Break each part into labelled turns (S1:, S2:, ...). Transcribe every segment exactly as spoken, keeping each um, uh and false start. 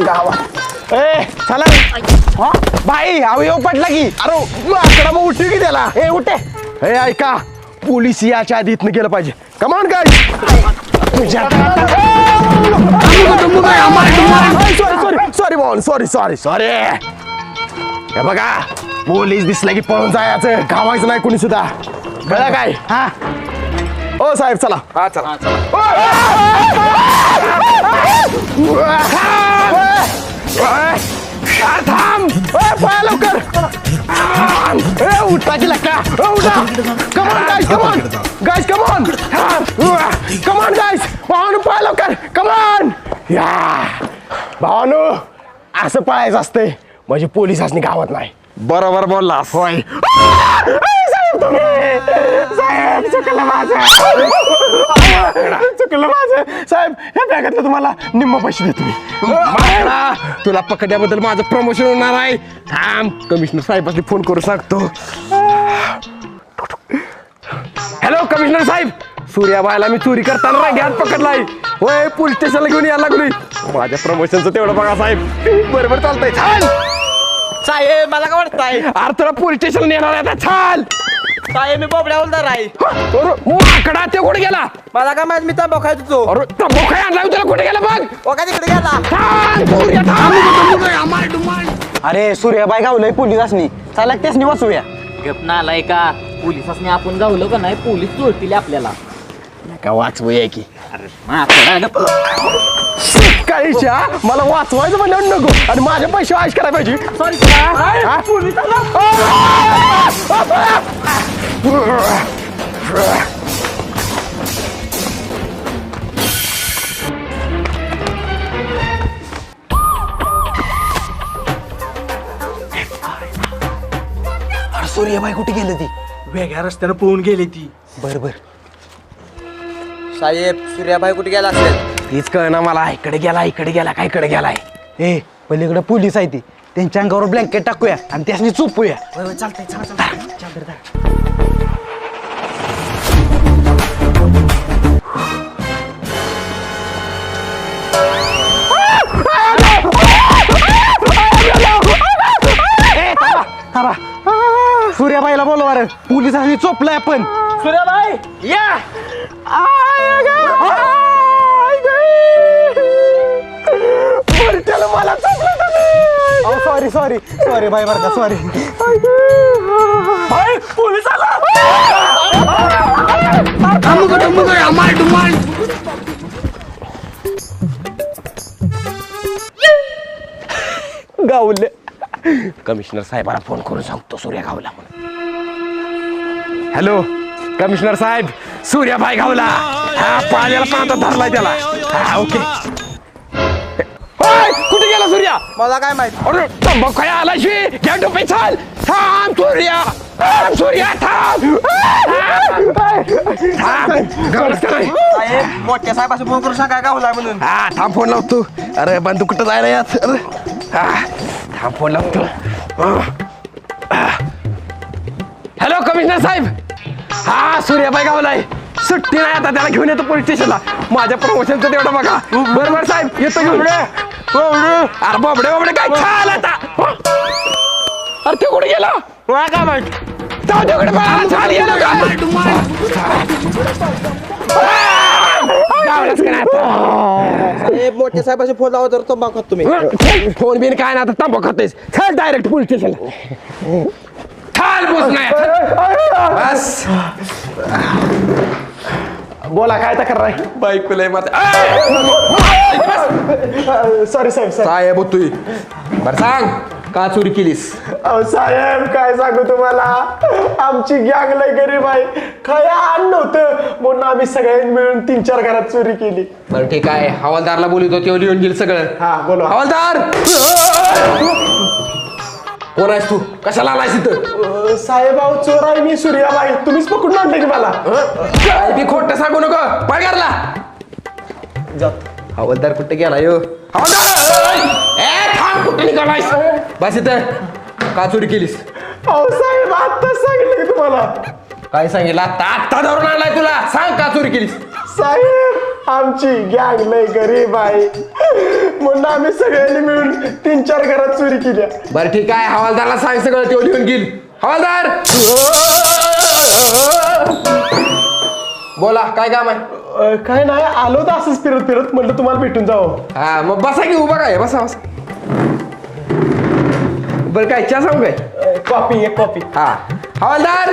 S1: गावात ए चला भाई अवयव पडला की अरे आकडा मग उठली की त्याला ए उठे हे ऐका पोलीस याच्या आधी इथनं गेलं पाहिजे कमान काय सॉरी सॉरी भाऊ सॉरी सॉरी सॉरी हे बघा पोलीस दिसला की पळून जायचं गावायचं नाही कोणी सुद्धा कळलं काय हा ओ साहेब चला हा चला थांब पळा लवकर उठाची लक्का उठा come on guys come on guys come on come on guys भावानू पळा लवकर कमॉन या भावानू असं पळायचं असते म्हणजे पोलिसांनी गावात नाही बरोबर बोलला होय साहेब तुम्ही साहेब चुकलं माझं चुकलं माझं साहेब ह्या बॅगातलं तुम्हाला निम्म पैसे देतो मी तुला पकडल्याबद्दल माझं प्रमोशन होणार आहे थांब कमिशनर साहेबांनी फोन करू सांगतो हॅलो कमिशनर साहेब सूर्याबाईला मी चोरी करताना रांग्यात पकडलाय होय पोलीस स्टेशनला घेऊन यायला लागलोय माझ्या प्रमोशनचं तेवढं बघा साहेब बरोबर चालतंय छान
S2: साहेब मला काय वाटतंय
S1: अरे तुला पोलीस स्टेशनला येणार आहे आता छान
S2: साहेब मी बोबड्या बोलणार आहे
S1: माकडा ते कुठे गेला
S2: मला काय माहित मी तंबाखू खायच होतो
S1: अरे तंबाखू काय आणला त्याला कुठे गेला बघ
S2: ओ का तिकडे गेला
S3: अरे सूर्याबाई गावलंय पोलिसांनी चला त्यासनी वाचूया
S4: गप ना आलाय का पोलिसांनी आपण गावलं का नाही पोलीस चोरतील आपल्याला
S1: का वाचवूया की
S4: अरे
S1: काहीच्या मला वाचवायचं म्हणलं नको आणि माझे पैसे आश करायला पाहिजे सॉरी सूर्याबाई कुठे गेली ती
S2: वेगळ्या रस्त्यानं पळून गेली ती
S1: बर बर
S2: साहेब सूर्याबाई कुठे गेला असेल
S1: तीच कळ ना मला इकडे गेला इकडे गेला काय इकडे गेलाय
S3: ए पलीकडे पोलीस आहे ती त्यांच्या अंगावर ब्लँकेट टाकूया आणि त्यासनी चोपूया
S2: चालतंय चालतंय
S3: सूर्याबाईला बोलवा रे पोलिसांनी चोपलाय आपण
S2: सूर्याबाई या
S1: मला
S3: सॉरी सॉरी सॉरी बाई बरं का सॉरी
S1: पोलीस आला गावले कमिशनर साहेबांना फोन करून सांगतो सूर्या गावला म्हणून हॅलो कमिशनर साहेब सूर्याबाई गावला हा पाण्याला पाहता धरलाय त्याला हा ओके कुठे गेला सूर्या
S2: मला काय माहित
S1: अरे तंबाखू काय आला शे घ्या टोपे चाल थांब सूर्या थांब सूर्या थांब
S2: साहेब मोठ्या साहेबाशी फोन करून सांगा गावला म्हणून
S1: हा थांब फोन लावतो अरे बंधू कुठं जायला यात अरे हा थांब फोन लावतो हॅलो कमिशनर साहेब हा सूर्याबाई गावलाय सुट्टी नाही आता त्याला घेऊन येतो पोलीस स्टेशनला माझ्या प्रमोशनचं तेवढं बघा बरोबर साहेब येतो घेऊन अरे बाबडे बाबडे काय छान आता अरे ते कुठे गेला
S2: काय माहित
S1: जाऊ तिकडे बघा छान गेला गावलाच का नाही
S2: साहेब मोठ्या साहेबाशी फोन लावा तर तंबाखू खात तुम्ही
S1: फोन बिन काय ना आता तांबा खातेस चल डायरेक्ट पोलीस स्टेशनला खाल बस नाही बस बोला काय तक्रार आहे
S5: बायकोला
S1: सॉरी साहेब
S5: साहेब होतोय बर सांग का चोरी केलीस
S1: अहो साहेब काय सांगू तुम्हाला आमची गँग लय गरीब आहे काय अन्न नव्हतं म्हणून आम्ही सगळ्यांनी मिळून तीन चार घरात चोरी केली
S5: बरं ठीक आहे हवालदारला बोलतो तेव्हा लिहून गेल सगळं
S1: हा बोला
S5: हवालदार कोण आहेस तू कशाला आलायस इथं
S1: साहेब अहो चोर आहे मी सूर्याबाई तुम्हीच पकडून आणले की मला
S5: काय बी खोटं सांगू नको पगारला हवालदार कुठे गेला यो हवालदार ए थांब कुठे निघालायस बस इथं का चोरी केलीस
S1: अहो साहेब आत्ताच सांगितलं की तुम्हाला
S5: काय सांगितलं आता आत्ता धरून आणलाय तुला सांग का चोरी केलीस
S1: साहेब आमची गँग लय गरीब आहे म्हणून आम्ही सगळ्यांनी मिळून तीन चार घरात चोरी केल्या.
S5: बरं ठीक आहे, हवालदारला सांग सगळं तो लिहून घेईल. हवालदार बोला, काय काम आहे?
S1: अ, काय नाही, आलो तर असंच फिरत फिरत म्हणलं तुम्हाला भेटून जावं.
S5: हा मग बसा की, उभा काय बसा बसा. बरं काय चहा सांगू काय?
S1: अ, कॉफी एक कॉफी.
S5: हा हवालदार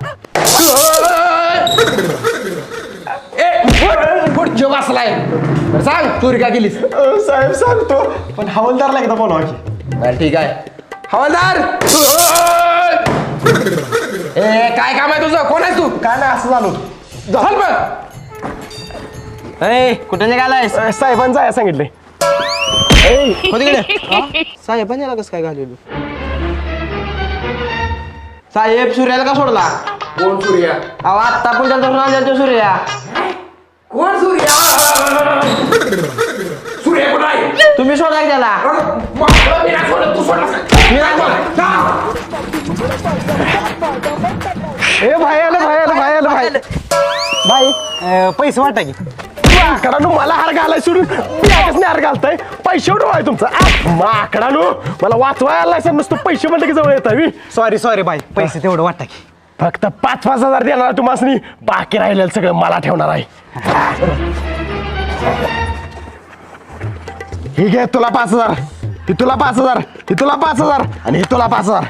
S5: ए पुढच्या बसलाय. बरं सांग चोरी का केलीस?
S1: अ, साहेब सांगतो, पण हवालदारला एकदा बोलावा की.
S5: बरं ठीक आहे. हवालदार ए काय काम आहे तुझं? कोण आहे तू?
S1: काय नाही, असं झालो.
S5: चल मग.
S2: कुठे निघालायस?
S1: अ, साहेबांचं आहे सांगितलंय.
S2: साहेबांनी याला कसं काय घालवलं? साहेब सूर्याला का सोडला?
S5: कोण सूर्या?
S2: अहो आत्ता पण त्यांचा फोन आला तो सूर्या.
S5: कोण सूर्या? सूर्या कोण आहे?
S2: तुम्ही सोडा की त्याला.
S5: मला मी नाही सोडत, तू सोडलास का? मी नाही सोडत. जा.
S1: ए भाई आलं भाई आलं भाई आलं भाई
S3: भाई अं, पैसे वाटा की.
S1: माकडानू मला हार घालाय सोडून नाही हार घालताय. पैसे उडवा आहे तुमचा. आ, माकडानू मला वाचवाय आलाय सर, नुसतं पैसे म्हणलं की जवळ येत आहे.
S3: सॉरी सॉरी भाई, पैसे तेवढं वाटा की.
S1: फक्त पाच पाच हजार देणार तुम्हाला, बाकी राहिलेलं सगळं मला ठेवणार आहे. ही घे तुला पाच हजार, ही तुला पाच हजार, ही तुला पाच हजार आणि ही तुला पाच हजार.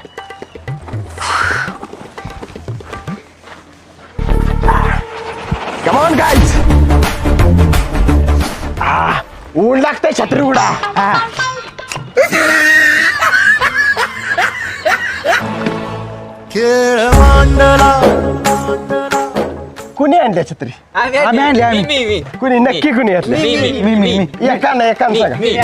S1: Come on guys. आ, ऊन लागतंय, छत्री उडा. आ. कुणी आणल्या छत्री?
S3: आम्ही आणली आम्ही.
S1: कुणी नक्की कुणी घातली?
S3: मी मी मी
S1: एका ना एका सांगा.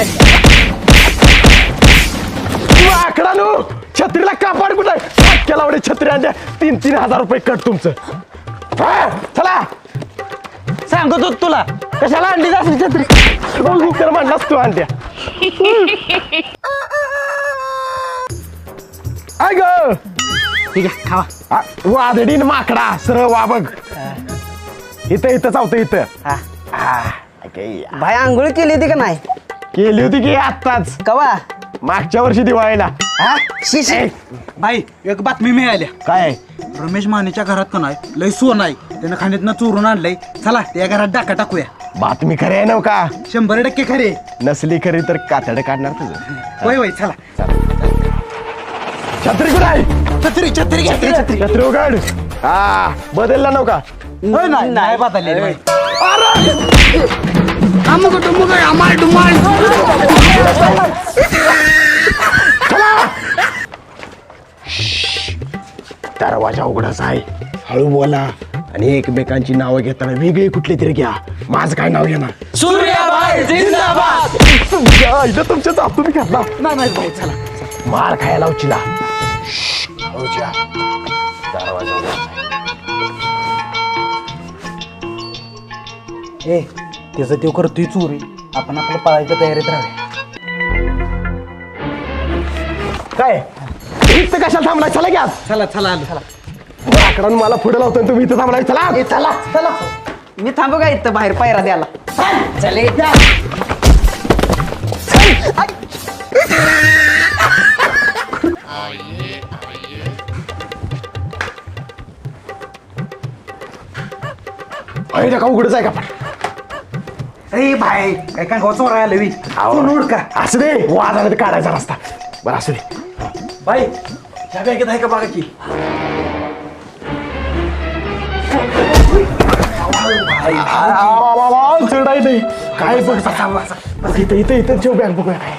S1: आकडानू छत्रीला कापड कुठं केला एवढे छत्री आणल्या, तीन तीन हजार रुपये कट तुमचं. हा, चला
S3: सांगतो तुला.
S1: कशाला आणली जास्त छत्री? तर म्हणलास तू आणल्या. आय ग
S3: ठीक आहे खावा.
S1: वादडीन माकडा सरळ वा बघ. इथं इथं चावतं इथं.
S3: हा.
S1: आ, okay.
S2: भाई आंघोळ केली होती का नाही?
S1: केली होती की आत्ताच,
S2: कवा?
S1: मागच्या वर्षी दिवाळीला.
S2: हा? शी, शी.
S1: ए,
S3: भाई एक बातमी मिळाल्या.
S1: काय?
S3: रमेश मानेच्या घरात का नाही लय सोन आहे, त्यानं खाण्यातनं चोरून आणलंय. चला त्या घरात डाका टाकूया.
S1: बातमी खरी आहे नव का?
S3: शंभर टक्के खरे.
S1: नसली खरी तर कातडं काढणार तुझं.
S3: होय होय चला.
S1: छत्री कुठं आहे?
S3: छत्री छत्री छत्री छत्री.
S1: छत्री उघड. हा बदलला नव का?
S3: होय नाही नाही बदललेली भाई. दरवाजा उघडाच आहे, हळू बोला आणि एकमेकांची नावं घेताना वेगळी कुठली तरी घ्या. माझं काय नाव घेणार?
S2: सूर्याबाई जिंदाबाद.
S1: तुमच्या इथं तुमच्या जातून घातला.
S3: नाही नाही भाऊ चला.
S1: मार खायला उचिला. हळूच्या. दरवाजा उघडाच आहे.
S3: ए त्याचं ते करतोय चोरी, आपण आपल्या पळायच्या तयारीत राहूया.
S1: काय इथं कशाला थांबलाय? चला घ्या.
S3: चला चला आलो चला.
S1: आकडानं मला पुढे लावतो आणि तुम्ही इथं थांबलाय. चला चला चला.
S2: मी थांबू का इथं बाहेर पायरा द्यायला? चले.
S1: अरे का उघडच आहे का पण?
S3: ए भाई काय काय चोर आलं वी. तू नोड का?
S1: असं दे, वाद आला तर काढायचा रस्ता. बरं असं दे.
S3: भाई ह्या बॅगेत आहे का बघा की.
S1: चढाई नाही काय बघ. बघ इथं इथं इथं जेव बॅग बघूया काय.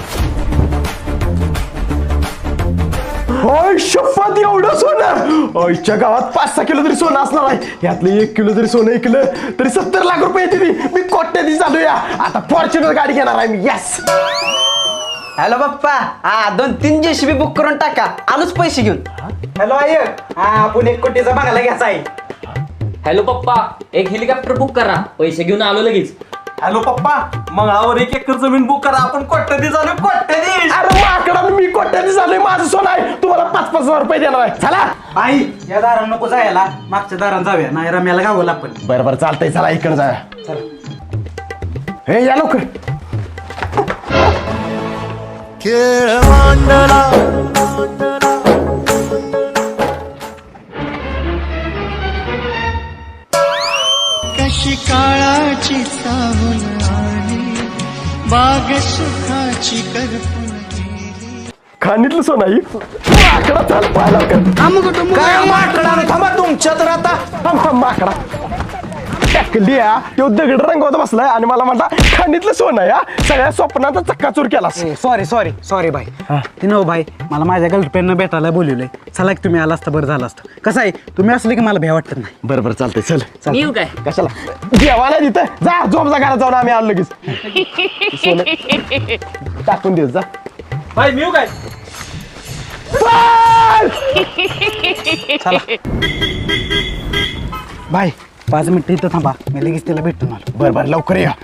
S1: होय शपथ एवढं सोनं. आईच्या गावात पाच सहा किलो तरी सोनं असणार आहे. यातलं एक किलो जरी सोनं ऐकलं तरी सत्तर लाख रुपये येते. मी कोट्याधी चालूया. आता फॉर्च्युनर गाडी घेणार आहे मी. यस.
S2: हॅलो पप्पा, हा दोन तीन जेसीबी बुक करून टाका, आलोच पैसे घेऊन.
S3: हॅलो आय हा आपण एक कोटीचा बघायला घ्यायचा आहे.
S4: हॅलो पप्पा, एक हेलिकॉप्टर बुक करा, पैसे घेऊन आलो लगेच.
S3: हॅलो पप्पा मंगळावर एक एकर जमीन बुक करा, आपण कोट्याधी झालो कोट्याधी.
S1: अरे माकडा मी कोट्याधी झालोय. माझं सोनं आहे, तुम्हाला पाच पाच हजार रुपये देणार आहे. चला.
S3: आई या दारात नको जायला, मागच्या दारात जाऊया, नाही रम्याला गावला आपण.
S1: बरं बरं चालतंय. चला इकडे जाऊया. हे या लवकर.
S6: खेळ मांडला कशी काळाची सावल आली बाग सुखाची करपून
S1: खाणीतलं सोनं ही माकडा चाल पाहायला काय माकडा थांबा तुमच्या तर आता थांब थांब माकडा टाकलिया तो दगड रंगवत बसलाय आणि मला म्हणता खाणीतलं सोनं या सगळ्या स्वप्नाचा चक्काचूर केला
S2: सॉरी सॉरी सॉरी भाई ती नव भाई मला माझ्या गर्लफ्रेंडनं भेटायला बोलवलंय चला की तुम्ही आला असता बरं झालं असतं कसं आहे तुम्ही असले की मला भ्या वाटत नाही
S1: बरं बरं चालतंय चल
S4: मी येऊ काय
S1: कशाला जेवायला तिथं जा झोप जा घरात जाऊन आम्ही आलो लगेच सोनं टाकून देत जा
S2: भाई मी काय भाई पाच मिनिटं इथं थांबा मी लगेच तिला भेटून आलो
S1: बरं बरं लवकर या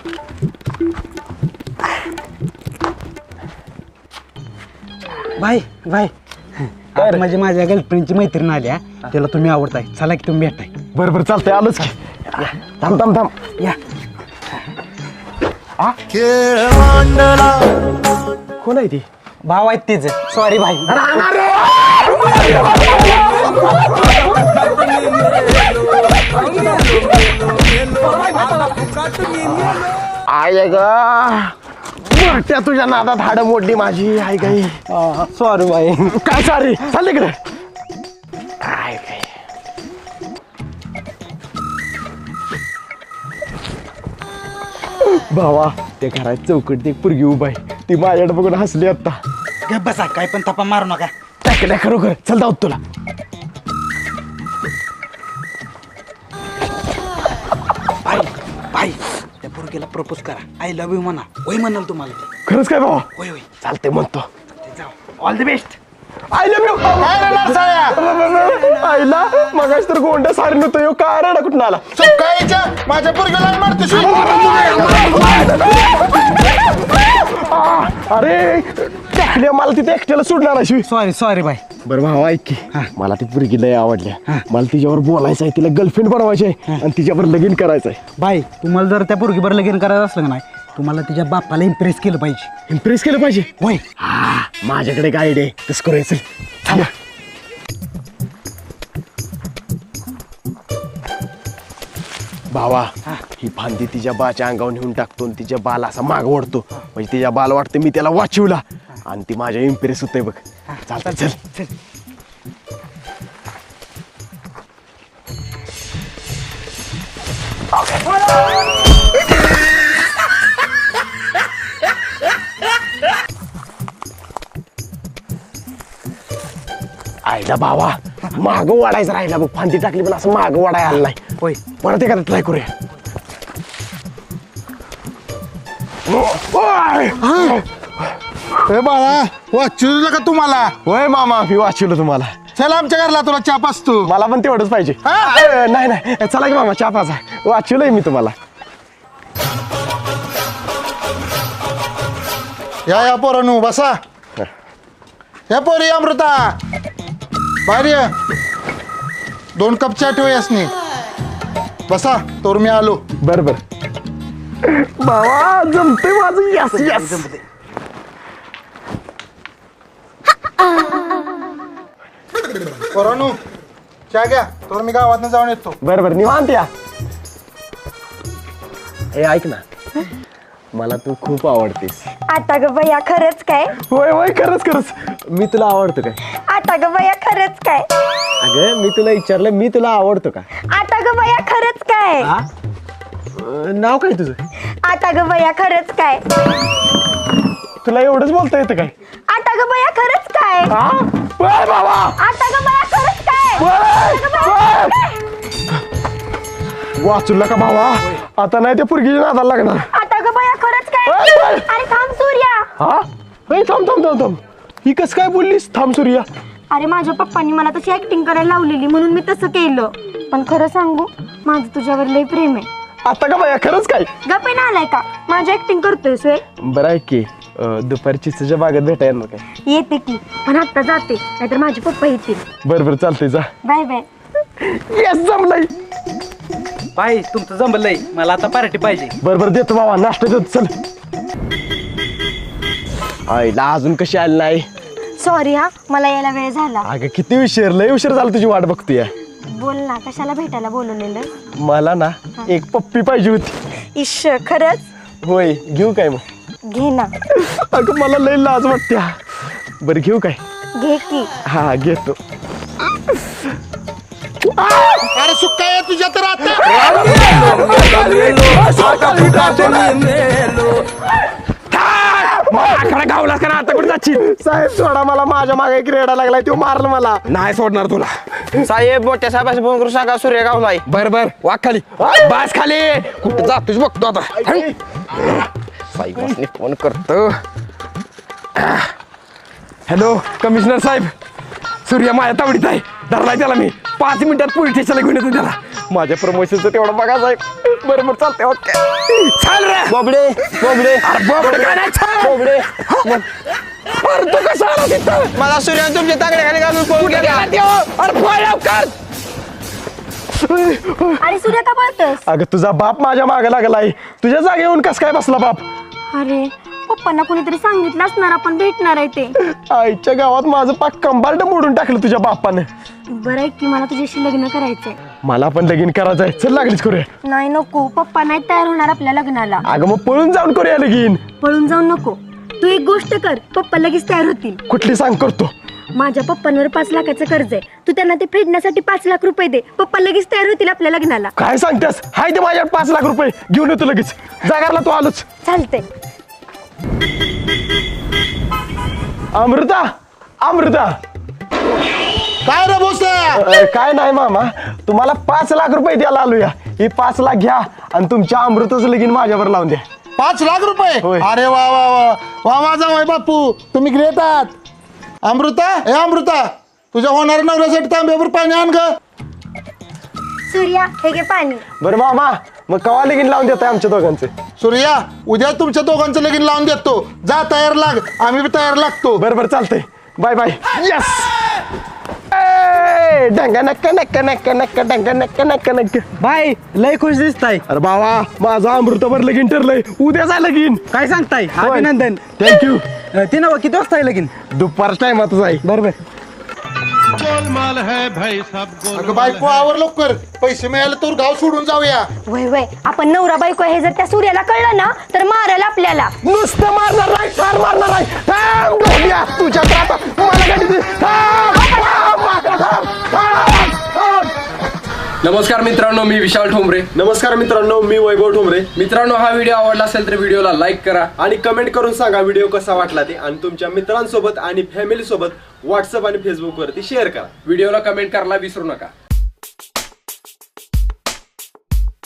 S2: भाई भाई आता म्हणजे माझ्या गर्लफ्रेंडची मैत्रीण आली हा त्याला तुम्ही आवडताय चला की तुम्ही भेटताय
S1: बरं बरं चालतंय आलोच की थांब थांब थांब
S2: या
S6: खेळ मांडला
S1: कोण आहे ती
S2: भाव आहेत तिचे सॉरी भाई
S1: आय ग त्या तुझ्या नादात हाड मोडली माझी आई गाई
S2: सॉरी भाई
S1: काय सॉरी चाल इकडे काय काय भावा त्या घरात चौकट एक पुरगी उभा आहे ती माझ्याकडे बघून हसली आता
S2: गप बसा काय पण तपा मारू नका
S1: टाकल्या खरोखर चल जाऊ तुला
S2: भाई भाई त्या पोरगीला प्रपोज करा आय लव्ह यू म्हणा होय म्हणाल तुम्हाला ते.
S1: खरंच काय भावा
S2: होय होय
S1: चालते म्हणतो
S2: जाऊ all the best
S1: I love you आईला मगाच तर गोंड्या सारी नव्हतं यो काय रडा कुठून आला
S3: माझ्या पोरगीला मारतो
S1: आ, अरे टाकल्या मला तिथे एकट्याला सोडणार अशी
S2: सॉरी सॉरी भाई
S1: बरं भावा ऐक की मला ती पोरगी लय आवडल्या मला तिच्यावर बोलायचं आहे तिला गर्लफ्रेंड बनवायची आहे आणि तिच्यावर लगीन करायचं आहे
S2: भाई तुम्हाला जर त्या पोरगीवर लगीन करायचं असलं का नाही तुम्हाला तिच्या बापाला इम्प्रेस केलं पाहिजे
S1: इम्प्रेस केलं पाहिजे
S2: होय
S1: हा माझ्याकडे एक आयडिया आहे तसं करायचं थांबा भावा ही फांदी तिच्या बाच्या अंगावर नेऊन टाकतो आणि तिच्या बाला असा माग ओढतो म्हणजे तिच्या बाल वाटतं मी त्याला वाचवला आणि ती माझ्या इम्प्रेस होते बघ चालतं चल
S2: चल
S1: आईला भावा माग वाढायचं राहिला बघ फांदी टाकली पण असं माग वाढायला आलं नाही
S2: होय
S1: परत एखादा ट्राय करूया ओय!
S3: ए बाळा वाचू का तुम्हाला
S1: होय मामा मी वाचवलं तुम्हाला
S3: चल आमच्या घरला तुला चाप असतो
S1: मला पण तेवढंच पाहिजे अ, नाही नाही चला की मामा चहा पाचा वाचवलंय मी तुम्हाला
S3: या या पोरानू बसा या पोरी अमृता बाहेर ये. दोन कप चहा ठेव यासनी बसा तोर मी आलो
S1: बर बर भावा जमते माझं यस यस
S3: पोरानू चहा घ्या तोर मी गावात जाऊन येतो
S1: बर बर निवांत या ए ऐक ना मला तू खूप आवडतेस
S7: आता ग बया खरंच काय
S1: होय होय खरंच खरंच मी तुला आवडतो काय
S7: आता ग बया खरंच काय
S1: अगं मी तुला विचारलं मी तुला आवडतो का
S7: आता ग बया खरंच काय
S1: अ, नाव काय तुझं
S7: आता ग बया खरंच काय
S1: तुला एवढंच बोलता येतं काय
S7: आता ग बया खरंच काय
S1: हा बर बाबा
S7: आता ग बया खरंच काय
S1: बर, बर. वाचूला का भावा आता नाही त्या पुरगीच्या नादाला लागणार
S7: आता ग बया खरंच काय
S1: ओय, ओय.
S7: अरे थांब सूर्या
S1: हा ए, थांब थांब थांब थांब ही कस काय बोललीस थांब सूर्या
S7: अरे माझ्या पप्पांनी मला तशी ऍक्टिंग करायला लावलेली म्हणून मी तसं केलं पण खरं सांगू माझं तुझ्यावर लय प्रेम आहे
S1: आता का बाया खरंच काय
S7: गप्पे ना आलाय का माझी ऍक्टिंग करतोय सोय
S1: बरं आहे की अं, दुपारी चिचच्या बागेत भेटा येणार काय
S7: येते की पण आता जाते नाहीतर माझे पप्पा येतील
S1: बरं बरं चालतंय जा
S7: बाय बाय
S1: येस जमलंय
S2: भाई तुमचं जमलंय मला आता पार्टी पाहिजे
S1: बरं बरं देतो बाबा नाश्ता देतो चल आईला अजून कशी आली नाही?
S7: सॉरी हा, मला यायला वेळ झाला.
S1: अगं किती उशीर, लय उशीर झाला तुझी वाट बघतोय.
S7: बोल ना, कशाला भेटायला बोलवलेलं?
S1: मला ना एक पप्पी पाहिजे होती.
S7: इश्श, खरंच?
S1: होय, घेऊ काय मग?
S7: घे ना.
S1: अगं मला लय लाज वाटते. बरं घेऊ काय?
S7: घे की.
S1: हा घेतो.
S3: अरे सुक्का आहे तुझ्या तर आता
S5: आकडा गावलास का ना आता कुठे जाशील?
S1: साहेब सोडा मला, माझ्या मागे एक रेडा लागलाय, तो मारला मला.
S5: नाही सोडणार तुला.
S2: साहेब मोठ्या साहेबाशी फोन करून सांगा सूर्य गावलाय.
S5: बर बर वाक खाली, बास खाली. कुठं जातोच बघतो आता. साहेबांनी फोन करतो. हॅलो कमिशनर साहेब, सूर्य माझ्या तावडीत आहे. धरलाय त्याला मी. पाच मिनिटात पोलीस स्टेशनला घेऊन येतो त्याला. माझ्या प्रमोशनचं तेवढं बघा साहेब. बरोबर चालतंय. ओके चाल रे
S2: बोबडे बोबडे
S5: अरे बोबडे काय नाही चाल.
S2: बोबडे
S5: अरे तू कसा आला तिथं?
S2: मला सूर्य तुमच्या तांगड्याखाली घालून पळून
S5: कुठे
S2: गेला.
S5: गेला त्यो? अरे पळ लवकर.
S7: अरे सूर्य का बोलतोस?
S1: अगं तुझा बाप माझ्या मागे लागलाय. तुझ्या जागे येऊन कस काय बसला बाप?
S7: अरे पप्पांना कोणीतरी सांगितलं असणार आपण भेटणार आहे ते.
S1: आईच्या गावात माझं पाक कंबार्ट मोडून टाकलं तुझ्या बापानं.
S7: बरं आहे की, मला तुझ्याशी लग्न करायचंय.
S1: मला पण लगीन करायचंय. चल लागलीच करूया.
S7: नाही नको, पप्पा नाही तयार होणार आपल्या लग्नाला.
S1: अगं मग पळून जाऊन करूया लगीन.
S7: पळून जाऊ नको. तू एक गोष्ट कर, पप्पा लगेच तयार होतील.
S1: कुठली सांग करतो.
S7: माझ्या पप्पांवर पाच लाखाचं कर्ज आहे, तू त्यांना ते फेडण्यासाठी पाच लाख रुपये दे. पप्पा लगेच तयार होतील आपल्या लग्नाला.
S1: काय सांगतेस? हाय ते माझ्याकडे पाच लाख रुपये, घेऊन येतो लगेच. जागारला तू आलोच.
S7: चालतंय.
S1: अमृता अमृता
S3: काय रे बोस
S1: अ, काय नाही मामा, तुम्हाला पाच लाख रुपये द्यायला आलोया. ही पाच लाख घ्या आणि तुमच्या अमृताचं लगीन माझ्यावर लावून द्या.
S3: पाच लाख रुपये
S1: होय.
S3: अरे वा वा वा वा माझा वाय बापू, तुम्ही ग्रेट आहात. अमृता ए अमृता, तुझ्या होणाऱ्या नवऱ्यासाठी तांब्यावर पाणी आण ग.
S7: सूर्या, हे घे पाणी.
S1: बरं मामा, मग कवा लगीन लावून देताय आमच्या दोघांचे?
S3: सूर्या, उद्या तुमच्या दोघांचं लगीन लावून देतो. जा तयार लाग, आम्ही बी तयार लागतो.
S1: बरं बरं चालतंय. Bye bye. यस. डंगा नक्का नक्का नक्का नक्का डंगा नक्का नक्का नक्का.
S2: बाय लय खुश दिसताय.
S1: अरे बाबा, माझं अमृतावर लगीन ठरलंय. उद्या जाय लगीन.
S2: काय सांगताय? अभिनंदन.
S1: थँक्यू.
S2: ती नव किती वाजता आहे लगीन?
S1: दुपारच टायमातच आहे.
S2: बरोबर.
S3: अगं बायको आवर लवकर, पैसे मिळाले तर गाव सोडून जाऊया.
S7: वय वय, आपण नवरा बायको हे जर त्या सूर्याला कळलं ना तर मारेल आपल्याला.
S1: नुसतं मारणार नाही, फार मारणार नाही. थांब डोंबिया, तुझ्या तर आता मला गाडी दे. थांब, थांब, थांब, थांब, थांब.
S5: नमस्कार मित्रांनो, मी विशाल ठोंबरे.
S1: नमस्कार मित्रांनो, मी वैभव ठोंबरे.
S5: मित्रांनो, हा व्हिडिओ आवडला असेल तर व्हिडिओला लाईक करा
S1: आणि कमेंट करून सांगा व्हिडिओ कसा वाटला ते, आणि तुमच्या मित्रांसोबत आणि फॅमिली सोबत व्हॉट्सअप आणि फेसबुक वरती शेअर करा.
S5: व्हिडिओला कमेंट करायला विसरू नका.